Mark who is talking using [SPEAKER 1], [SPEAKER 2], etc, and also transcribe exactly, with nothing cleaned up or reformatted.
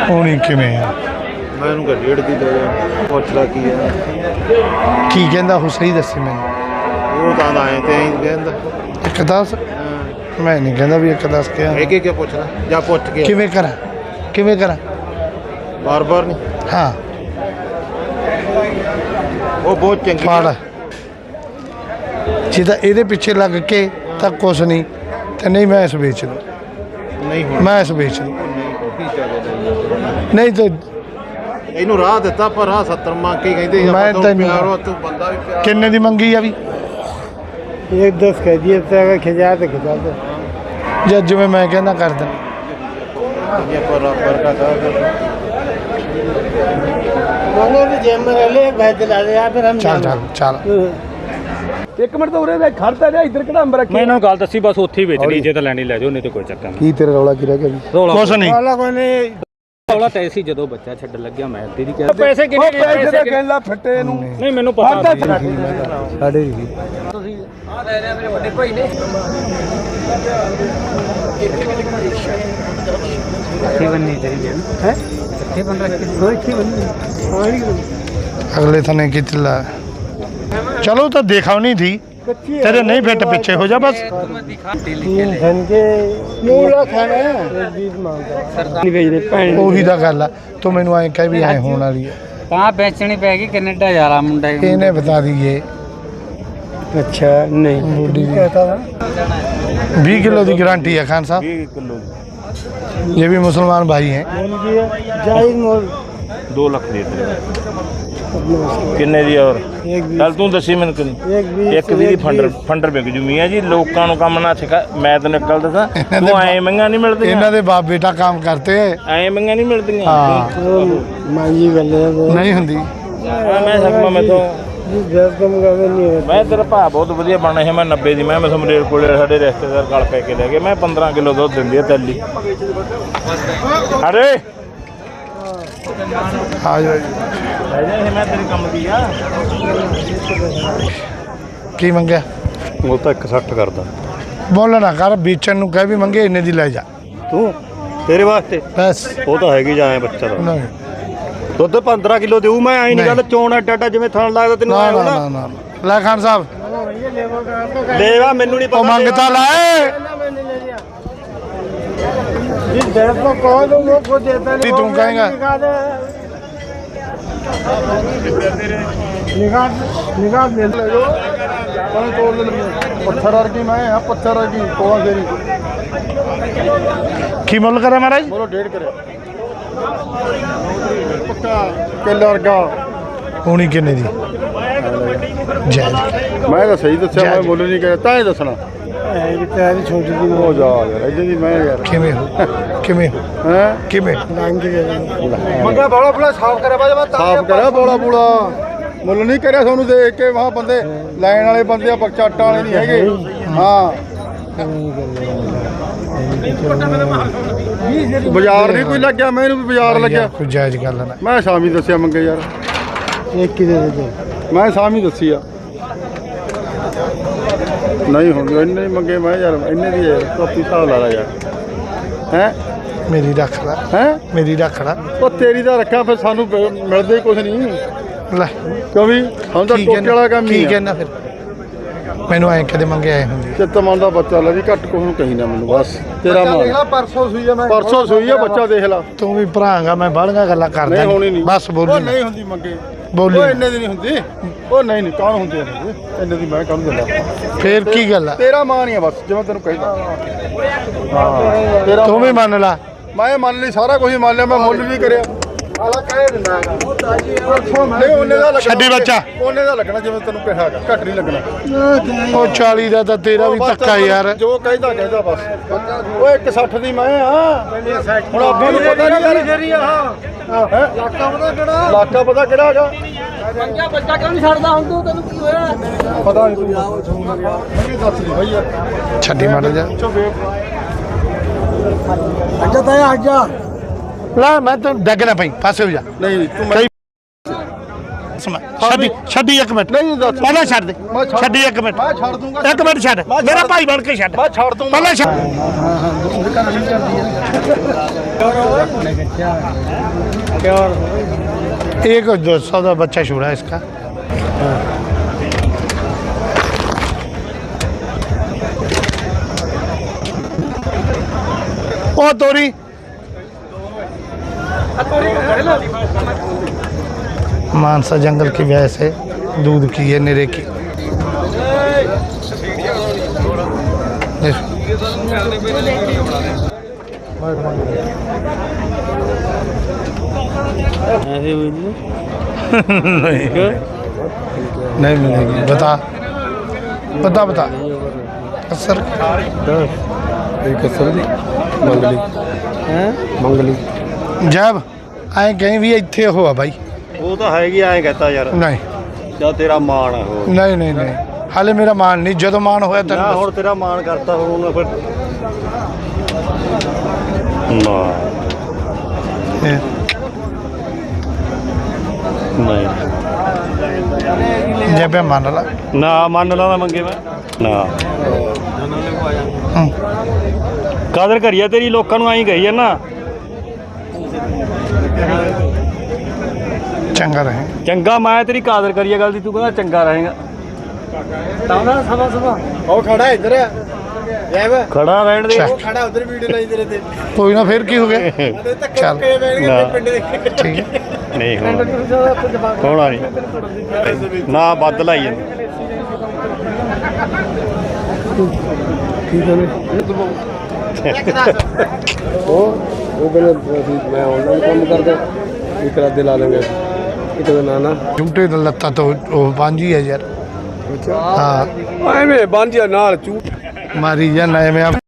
[SPEAKER 1] ਹੋਣੀ ਕਿਵੇਂ ਆ
[SPEAKER 2] ਮੈਂ ਇਹਨੂੰ ਕਿ ਡੇਢ ਦੀ ਲੈ ਜਾ ਪੁੱਛਦਾ ਕੀ ਹੈ
[SPEAKER 1] ਕੀ ਕਹਿੰਦਾ ਉਹ ਸਹੀ ਦੱਸੇ ਮੈਨੂੰ
[SPEAKER 2] ਉਹ ਤਾਂ ਆਏ ਤੇ ਐਂ ਕਹਿੰਦਾ
[SPEAKER 1] ਇੱਕ ਦਸ ਮੈਂ ਨਹੀਂ ਕਹਿੰਦਾ ਵੀ ਇੱਕ ਦਸ ਕਿਹਾ
[SPEAKER 2] ਇਹ ਕੀ ਪੁੱਛਦਾ ਜਾਂ ਪੁੱਛ ਕੇ
[SPEAKER 1] ਕਿਵੇਂ ਕਰਾਂ ਕਿਵੇਂ ਕਰਾਂ
[SPEAKER 2] ਬਾਰ ਬਾਰ ਨਹੀਂ
[SPEAKER 1] ਹਾਂ
[SPEAKER 2] ਉਹ ਬਹੁਤ ਚੰਗੀ
[SPEAKER 1] ਫੜ ਜੇ ਤਾਂ ਇਹਦੇ ਪਿੱਛੇ ਲੱਗ ਕੇ ਤਾਂ ਕੁਛ ਨਹੀਂ ਤੇ ਨਹੀਂ ਮੈਂ ਇਸ ਵੇਚ ਲੂੰ
[SPEAKER 2] ਨਹੀਂ ਹੁਣ
[SPEAKER 1] ਮੈਂ ਇਸ ਵੇਚ ਲੂੰ
[SPEAKER 2] ਕੀ ਚੱਲਦਾ
[SPEAKER 1] ਨਹੀਂ ਤੇ
[SPEAKER 2] ਇਹਨੂੰ ਰਾਹ ਦਿੱਤਾ ਪਰ ਰਾਹ ਸੱਤਰ ਮੰਗ ਕੇ ਕਹਿੰਦੇ
[SPEAKER 1] ਮੈਂ ਤੈਨੂੰ
[SPEAKER 2] ਪਿਆਰੋ ਤੂੰ ਬੰਦਾ ਵੀ ਪਿਆਰ
[SPEAKER 1] ਕਿੰਨੇ ਦੀ ਮੰਗੀ ਆ ਵੀ
[SPEAKER 3] एक दस कह दिए तो अगर खिंचा तो खिंचा दो
[SPEAKER 1] ਜਾਂ ਜਿਵੇਂ ਮੈਂ ਕਹਿੰਦਾ ਕਰ ਦੇ
[SPEAKER 2] ये पर पर का था
[SPEAKER 3] मैंने भी जेब में ले भाई दिला दे या फिर हम
[SPEAKER 1] ਚੱਲ ਚੱਲ ਚੱਲ
[SPEAKER 4] ਇੱਕ ਮਿੰਟ ਤਾਂ ਉਰੇ ਦੇ ਖੜਦਾ ਰਿਹਾ ਇੱਧਰ ਕਿਹੜਾ ਅੰਬ ਰੱਖੀ ਮੈਂ ਇਹਨਾਂ ਨੂੰ ਗੱਲ ਦੱਸੀ ਬਸ ਉੱਥੇ ਹੀ ਵੇਚਣੀ ਜੇ ਤਾਂ ਲੈਣੀ ਲੈ ਜਾਓ ਨਹੀਂ ਤੇ ਕੋਈ ਚੱਕਰ ਨਹੀਂ
[SPEAKER 1] ਕੀ ਤੇਰਾ ਰੌਲਾ ਕੀ ਰਹਿ ਗਿਆ ਵੀ
[SPEAKER 4] ਰੌਲਾ
[SPEAKER 1] ਕੁਛ ਨਹੀਂ
[SPEAKER 3] वाला कोई नहीं
[SPEAKER 4] ਰੌਲਾ ਤਾਂ ਸੀ ਜਦੋਂ ਬੱਚਾ ਛੱਡਣ ਲੱਗਿਆ ਮੈਂ ਦੀਦੀ ਕਿਹਾ
[SPEAKER 3] पैसे कितने
[SPEAKER 4] ਪੈਸੇ
[SPEAKER 3] पैसे ਕਹਿੰਦਾ ਫੱਟੇ ਨੂੰ
[SPEAKER 4] ਨਹੀਂ ਮੈਨੂੰ ਪਤਾ
[SPEAKER 1] ਸਾਡੇ ਵੀ
[SPEAKER 4] ਆ ਲੈ ਲੈ ਮੇਰੇ ਵੱਡੇ ਭਾਈ ਨੇ
[SPEAKER 3] अच्छी बननी चाहिए हैं अच्छी बन रही है दो अच्छी बननी हमारी
[SPEAKER 1] ਅਗਲੇ ਥਾਨੇ ਕੀ ਚਲਾ ਚਲੋ ਤਾਂ ਦੇਖਾਉ ਨਹੀਂ ਥੀ तेरे नहीं फिट पीछे हो जा बस
[SPEAKER 3] तीन धन के मूला खाना है एक बीस मांगता नहीं भेज रहे पैन
[SPEAKER 1] ਉਹੀ ਤਾਂ ਗੱਲ ਆ ਤੂੰ ਮੈਨੂੰ ਐਂ ਕਹਿ ਵੀ ਐ ਹੋਣ ਵਾਲੀ ਹੈ
[SPEAKER 3] कहाँ बेचनी पैगी कनेडा जा रहा मुंडा
[SPEAKER 1] ਇਹਨੇ ਬਤਾ ਦਈਏ
[SPEAKER 3] अच्छा नहीं
[SPEAKER 1] बूढ़ी भी।
[SPEAKER 3] कहता था
[SPEAKER 1] बीस किलो की गारंटी है खान साहब
[SPEAKER 2] बीस किलो
[SPEAKER 1] ये भी मुसलमान भाई हैं
[SPEAKER 3] जायज मोल
[SPEAKER 2] दो लाख दे ਕਿੰਨੇ ਦੀ ਔਰ
[SPEAKER 3] एक बीस
[SPEAKER 2] ਚੱਲ ਤੂੰ ਦੱਸੀ ਮੈਨੂੰ ਕਿੰਨੀ
[SPEAKER 3] एक बीस
[SPEAKER 2] ਇੱਕ ਵੀ ਫੰਡਰ ਫੰਡਰ ਵਿਕ ਜੂ ਮੀਆਂ ਜੀ ਲੋਕਾਂ ਨੂੰ ਕੰਮ ਨਾ ਸਿਖਾ ਮੈਂ ਤੈਨੂੰ ਇੱਕ ਗੱਲ ਦੱਸਾਂ ਤੂੰ ਐ ਮੰਗਾ ਨਹੀਂ ਮਿਲਦੀਆਂ
[SPEAKER 1] ਇਹਨਾਂ ਦੇ ਬਾਪ ਬੇਟਾ ਕੰਮ करते हैं
[SPEAKER 2] ਐ ਮੰਗਾ ਨਹੀਂ ਮਿਲਦੀਆਂ
[SPEAKER 1] हाँ
[SPEAKER 3] मांगी गले
[SPEAKER 1] नहीं ਹੁੰਦੀ
[SPEAKER 2] ਆ ਮੈਂ ਸਕਮਾ ਮੈਂ ਤੋਂ
[SPEAKER 3] दस कम का नहीं होता
[SPEAKER 2] ਮੈਂ ਤੇਰਾ ਭਾ ਬਹੁਤ ਵਧੀਆ ਬਣਾ ਹੈ ਮੈਂ ਨੱਬੇ ਦੀ ਮੈਂ ਮੈਂ ਸਮਰੇਰ ਕੋਲੇ ਸਾਡੇ ਰਿਸ਼ਤੇਦਾਰ ਗਲ ਪੈ ਕੇ ਲੈ ਗਏ ਮੈਂ ਪੰਦਰਾਂ ਕਿਲੋ ਦੁੱਧ ਦਿੰਦੀ ਆ ਤੈਲੀ ਅਰੇ
[SPEAKER 1] आ जाओ
[SPEAKER 2] ਲੈ ਜਾ ਇਹ ਮੈਂ ਤੇਰੇ ਕੰਮ ਦੀ ਆ
[SPEAKER 1] की ਮੰਗਿਆ
[SPEAKER 2] ਉਹ ਤਾਂ ਇੱਕ ਸੱਠ ਕਰਦਾ
[SPEAKER 1] ਬੋਲਣਾ ਕਰ ਵੇਚਣ ਨੂੰ ਕਹਿ ਵੀ ਮੰਗੇ ਇੰਨੇ ਦੀ ਲੈ ਜਾ
[SPEAKER 2] ਤੂੰ ਤੇਰੇ ਵਾਸਤੇ
[SPEAKER 1] ਬਸ
[SPEAKER 2] ਉਹ ਤਾਂ ਹੈਗੀ ਜਾਂ ਬੱਚਾ ਦਾ
[SPEAKER 1] ਨਹੀਂ
[SPEAKER 2] ਦੁੱਧ ਪੰਦਰਾਂ ਕਿਲੋ ਦੇਊ ਮੈਂ ਐਂ ਨਹੀਂ ਗੱਲ ਚੋਣ ਐਡਾ ਐਡਾ ਜਿਵੇਂ ਥਣ ਲੱਗਦਾ ਤੈਨੂੰ
[SPEAKER 1] ਨਾ
[SPEAKER 2] ਐਂ
[SPEAKER 1] ਨਾ
[SPEAKER 2] ਹੋਣਾ
[SPEAKER 1] ਨਾ ਨਾ ਲੈ ਖਾਨ ਸਾਹਿਬ
[SPEAKER 2] ਲੈਵਾ ਮੈਨੂੰ ਨਹੀਂ
[SPEAKER 1] ਉਹ
[SPEAKER 2] ਪਤਾ
[SPEAKER 1] ਮੰਗਤਾ ਲਾਏ
[SPEAKER 3] जिस दस को कहो तो वो खुद देता
[SPEAKER 1] भी तू कहेगा
[SPEAKER 3] निकाल निकाल दे
[SPEAKER 1] पत्थर वर्गी मैं हाँ पत्थर वर्गी कौन तेरी की मुल करे महाराज
[SPEAKER 2] ਬੋਲੋ ਡੇਢ ਕਰੇ
[SPEAKER 1] पक्का किलो वर्गा होनी किन्ने दी जय
[SPEAKER 2] ਮੈਂ ਤਾਂ ਸਹੀ ਦੱਸਿਆ ਮੈਂ ਬੋਲੋ ਨਹੀਂ ਕਰਿਆ ਤਾਂ ਹੀ ਦੱਸਣਾ
[SPEAKER 3] तेरी छोटी दी
[SPEAKER 2] ਹੋ ਜਾ ਯਾਰ ਇਦਾਂ ਦੀ ਮੈਂ ਯਾਰ
[SPEAKER 1] किमें हो किमें हो
[SPEAKER 2] ਹੈ
[SPEAKER 1] किमें
[SPEAKER 3] मांग के
[SPEAKER 2] ਮੰਗਾ ਬੋਲਾ ਬੋਲਾ ਸਾਫ਼ ਕਰਿਆ ਬਾਜਾ ਸਾਫ਼ ਕਰਿਆ ਬੋਲਾ ਬੋਲਾ ਮੁੱਲ ਨਹੀਂ ਕਰਿਆ ਤੁਹਾਨੂੰ ਦੇਖ ਕੇ ਵਾਹ ਬੰਦੇ ਲੈਣ ਵਾਲੇ ਬੰਦੇ ਆ ਬਖਸ਼ਾਟਾਂ ਵਾਲੇ ਨਹੀਂ ਹੈਗੇ ਹਾਂ ਬਾਜ਼ਾਰ ਨਹੀਂ ਕੋਈ ਲੱਗਿਆ ਮੈਨੂੰ ਵੀ ਬਾਜ਼ਾਰ ਲੱਗਿਆ
[SPEAKER 1] कोई जायज गल ना
[SPEAKER 2] ਮੈਂ ਸ਼ਾਮੀ ਦੱਸਿਆ ਮੰਗੇ ਯਾਰ
[SPEAKER 3] एक की दे दे
[SPEAKER 2] ਮੈਂ ਸ਼ਾਮੀ ਦੱਸੀ ਆ ਨਹੀਂ ਹੁਣ ਇੰਨੇ ਹੀ ਮੰਗੇ ਮੈਂ ਯਾਰ ਇੰਨੇ ਦੀ ਯਾਰ ਕਾਪੀ ਹਿਸਾਬ ਲਾ ਲਾ ਯਾਰ ਹੈ
[SPEAKER 1] मेरी रख ला
[SPEAKER 2] ਹੈ
[SPEAKER 1] मेरी रख ला
[SPEAKER 2] ਉਹ ਤੇਰੀ ਦਾ ਰੱਖਿਆ ਫਿਰ ਸਾਨੂੰ ਪ- ਮਿਲਦਾ ਹੀ ਕੁਝ ਨਹੀਂ
[SPEAKER 1] ਲੈ
[SPEAKER 2] ਕਿਉਂ ਵੀ ਹੁਣ ਤਾਂ
[SPEAKER 1] ਕੀ
[SPEAKER 2] ਟੋਕੇ ਵਾਲਾ ਕੰਮ
[SPEAKER 1] ਕੀ
[SPEAKER 2] ਹੀ ਆ
[SPEAKER 1] ਕਹਿਣਾ ਫਿਰ ਮੈਨੂੰ ਐਂ ਕਦੇ ਮੰਗੇ ਆਏ ਹੁੰਦੇ
[SPEAKER 2] ਚਿੱਤ ਮਨ ਦਾ ਬੱਚਾ ਲੈ ਵੀ ਘੱਟ ਕੁਝ ਨੂੰ ਕਹੀ ਨਾ ਮੈਨੂੰ ਬਸ ਤੇਰਾ ਮਾਲ
[SPEAKER 1] ਪਰਸੋਂ ਸੂਈ ਆ ਮੈਂ
[SPEAKER 2] ਪਰਸੋਂ ਸੋਈ ਆ ਬੱਚਾ ਦੇਖ ਲਾ
[SPEAKER 1] ਤੂੰ ਵੀ ਭਰਾਂਗਾ ਮੈਂ ਬਾਹਲੀਆਂ ਗੱਲਾਂ ਕਰਦਾ
[SPEAKER 2] ਨਹੀਂ ਹੋਣੀ ਨਹੀਂ
[SPEAKER 1] ਬਸ
[SPEAKER 2] ਉਹ
[SPEAKER 1] ਬੋਲੀ
[SPEAKER 2] ਨਹੀਂ ਹੁੰਦੀ ਮੰਗੇ
[SPEAKER 1] ਬੋਲੀ
[SPEAKER 2] ਉਹ ਇੰਨੇ ਦੀ ਨਹੀਂ ਹੁੰਦੀ ਉਹ ਨਹੀਂ ਨਹੀਂ ਕੌਣ ਹੁੰਦੇ ਨੇ ਇੰਨੇ ਦੀ ਮੈਂ ਕਾਹਨੂੰ ਦਿੰਦਾ
[SPEAKER 1] ਫੇਰ ਕੀ ਗੱਲ ਆ
[SPEAKER 2] ਤੇਰਾ ਮਾਂ ਨਹੀਂ ਆ ਬਸ ਜਿਵੇਂ ਤੈਨੂੰ ਕਹਿੰਦਾ ਹਾਂ ਤੇਰਾ
[SPEAKER 1] ਤੂੰ ਵੀ ਮੰਨ ਲਾ
[SPEAKER 2] ਮੈਂ ਮੰਨ ਲਈ ਸਾਰਾ ਕੁਝ ਮੰਨ ਲਿਆ ਮੈਂ ਮੁੱਲ ਵੀ ਕਰਿਆ ਆਲਾ ਕਹਿ ਦਿੰਦਾ ਨਹੀਂ ਉਹਨੇ ਦਾ ਲੱਗਣਾ
[SPEAKER 1] ਛੱਡੀ ਬੱਚਾ।
[SPEAKER 2] ਉਹਨੇ ਦਾ ਲੱਗਣਾ ਜਿਵੇਂ ਤੈਨੂੰ ਕਿਹਾ ਹੈਗਾ ਘੱਟ ਨਹੀਂ ਲੱਗਣਾ
[SPEAKER 1] ਉਹ ਚਾਲੀ ਦਾ ਤਾਂ ਤੇਰਾ ਵੀ ਧੱਕਾ ਯਾਰ
[SPEAKER 2] ਜੋ ਕਹਿੰਦਾ ਕਹਿੰਦਾ ਬਸ ਓਏ ਇੱਕ ਸੱਠ ਦੀ ਮੈਂ ਆ ਹੁਣ ਆਪਾਂ ਨੂੰ ਪਤਾ ਨਹੀਂ ਯਾਰ ਹੈ ਲਾਕਾ ਪਤਾ ਕਿਹੜਾ ਲਾਕਾ ਪਤਾ ਕਿਹੜਾ ਹੈਗਾ
[SPEAKER 3] पंजा बच्चा क्यों नहीं छड़दा हुन तू तेनु की होया
[SPEAKER 2] ਪਤਾ ਨਹੀਂ ਤੂੰ ਮੈਨੂੰ ਦੱਸ ਦੀ ਭਾਈ ਯਾਰ
[SPEAKER 1] ਛੱਡੀ ਮਾਰ ਜਾ
[SPEAKER 3] अच्छा ताया आजा
[SPEAKER 1] ਲੈ ਮੈਂ ਤਾਂ ਡੱਗ ਨਾ ਪਈ ਪਾਸੇ ਹੋ ਜਾ
[SPEAKER 2] ਨਹੀਂ ਤੂੰ ਮੈਂ
[SPEAKER 1] ਸਮਝ ਛੱਡੀ ਛੱਡੀ ਇੱਕ ਮਿੰਟ
[SPEAKER 2] ਨਹੀਂ ਦੱਸ
[SPEAKER 1] ਪਹਿਲਾਂ ਛੱਡ ਦੇ
[SPEAKER 2] ਮੈਂ ਛੱਡ-
[SPEAKER 1] ਛੱਡੀ ਇੱਕ ਮਿੰਟ
[SPEAKER 2] ਮੈਂ ਛੱਡ ਦੂੰਗਾ
[SPEAKER 1] ਇੱਕ ਮਿੰਟ ਛੱਡ ਮੇਰਾ ਭਾਈ ਬਣ ਕੇ ਛੱਡ
[SPEAKER 2] ਮੈਂ ਛੱਡ ਦੂੰਗਾ
[SPEAKER 1] ਪਹਿਲਾਂ ਛੱਡ एक दो सौ का बच्चा छोड़ा है इसका ओ तोरी मानसा जंगल की वजह से दूध की है निरे की
[SPEAKER 3] ऐसे हुई नहीं
[SPEAKER 1] नहीं नहीं मिलेगी बता बता बता सर
[SPEAKER 2] एक असर दी मंगली
[SPEAKER 3] हैं
[SPEAKER 2] मंगली
[SPEAKER 1] जब आए कहीं भी इतने हो भाई
[SPEAKER 2] ਉਹ ਤਾਂ ਹੈਗੀ ਐਂ ਕਹਤਾ ਯਾਰ
[SPEAKER 1] नहीं
[SPEAKER 2] ਜਾਂ ਤੇਰਾ ਮਾਣ ਆ ਉਹ
[SPEAKER 1] नहीं नहीं नहीं हाले मेरा मान नहीं जो मान होया तेन
[SPEAKER 2] ਨਾ ਹੁਣ ਤੇਰਾ ਮਾਣ ਕਰਤਾ ਹੁਣ ਉਹਨੇ ਫਿਰ ਨਾ ਨਹੀਂ
[SPEAKER 1] जब मान ला
[SPEAKER 2] ਨਾ ਮੰਨ ਲਾ ਨਾ ਮੰਗੇ ਮੈਂ ਨਾ ਕਾਦਰ ਕਰੀਆ ਤੇਰੀ ਲੋਕਾਂ ਨੂੰ ਐਂ ਕਹੀ ਆ ਨਾ
[SPEAKER 1] चंगा रहे
[SPEAKER 2] ਚੰਗਾ ਮੈਂ ਤੇਰੀ ਕਾਦਰ ਕਰੀਆ ਗੱਲ ਦੀ ਤੂੰ ਕਹਿੰਦਾ ਚੰਗਾ ਰਹੇਗਾ
[SPEAKER 3] ताना सभा सभा
[SPEAKER 2] ਉਹ ਖੜਾ ਇੱਧਰ ਜੈਬ ਖੜਾ ਰਹਿਣ ਦੇ
[SPEAKER 1] ਚੱਲ।
[SPEAKER 2] ਖੜਾ ਉਧਰ ਵੀਡੀਓ ਲਾਈ ਤੇਰੇ ਤੇ
[SPEAKER 1] कोई ना फिर की हो गया चल ठीक है
[SPEAKER 2] ਨਹੀਂ ਹੋਣਾ ਹੋਣਾ ਨਹੀਂ ਨਾ ਬੱਦ ਲਾਈ ਜਾਂਦੇ
[SPEAKER 3] ਉਹ ਉਹ ਕਹਿੰਦਾ ਮੈਂ ਆਨਲਾਈਨ ਕੰਮ ਕਰਦਾ ਇੱਕ ਰਾਤ ਦੇ ਲਾ ਲਾਂਗੇ ਇੱਕ ਦਾ ਨਾ ਨਾ
[SPEAKER 1] झूठे तो लत्ता तो वो पांच ही है यार हाँ
[SPEAKER 3] ਐਵੇਂ ਬੰਜਿਆ ਨਾਲ ਚੂ
[SPEAKER 1] मारी जाना है मैं